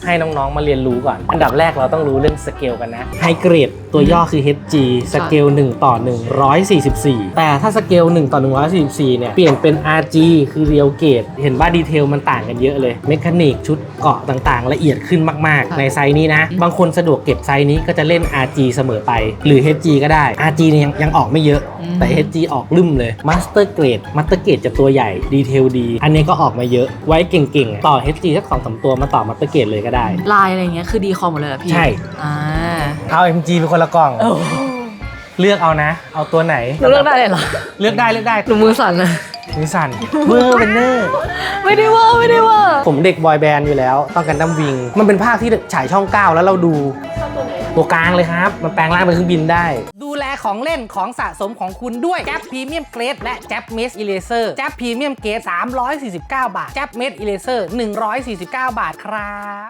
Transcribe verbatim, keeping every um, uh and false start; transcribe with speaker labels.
Speaker 1: ให้น้องๆมาเรียนรู้ก่อนอันดับแรกเราต้องรู้เรื่องสเกลกันนะไฮเกรดตัวย่อคือ เอช จี สเกลหนึ่งต่อหนึ่งร้อยสี่สิบสี่แต่ถ้าสเกลหนึ่งต่อหนึ่งร้อยสี่สิบสี่เนี่ยเปลี่ยนเป็น อาร์ จี คือเรียลเกรดเห็นว่าดีเทลมันต่างกันเยอะเลยเมคานิกชุดเกาะต่างๆละเอียดขึ้นมากๆในไซส์นี้นะบางคนสะดวกเก็บไซส์นี้ก็จะเล่น อาร์ จี เสมอไปหรือ เอช จี ก็ได้ อาร์ จี เนี่ยยังยังออกไม่เยอะแต่ เอช จี ออกลืมเลยมาสเตอร์เกรดมาสเตอร์เกรดจะตัวใหญ่ดีเทลดีอันนี้ก็ออกมาเยอะไว้เก่งๆต่อ เอช จี สักสองสามตัวมาต่อมาสเตอร์เกรดเลยก็ได้
Speaker 2: ลายอะไรเงี้ยคือดีคอมหมดเลยเหรอพี่
Speaker 1: ใช่
Speaker 2: อ่า
Speaker 1: เอา เอ็ม จี เป็นคนละกล่องเลือกเอานะเอาตัวไหน
Speaker 2: เลือกได้เลยเหรอ
Speaker 1: เลือกได้เลือกได้
Speaker 2: หนูมือสั่นเลย
Speaker 1: มือสั่นเวอร์เวนเนอร์
Speaker 2: ไม่ได้ว่าไม่ได้ว่า
Speaker 1: ผมเด็กบอยแบนด์อยู่แล้วต้องกันดั้มวิงมันเป็นภาคที่ฉายช่องเก้าแล้วเราดูตัวกลางเลยครับมันแปลงร่างเป็นเครื่องบินได้ดูแลของเล่นของสะสมของคุณด้วยแจ๊บพรีเมียมเกรดและแจ๊บเมสอิเลเซอร์แจ๊บพรีเมียมเกรดสามร้อยสี่สิบเก้าบาทแจ๊บเมสอิเลเซอร์หนึ่งร้อยสี่สิบเก้าบาทครับ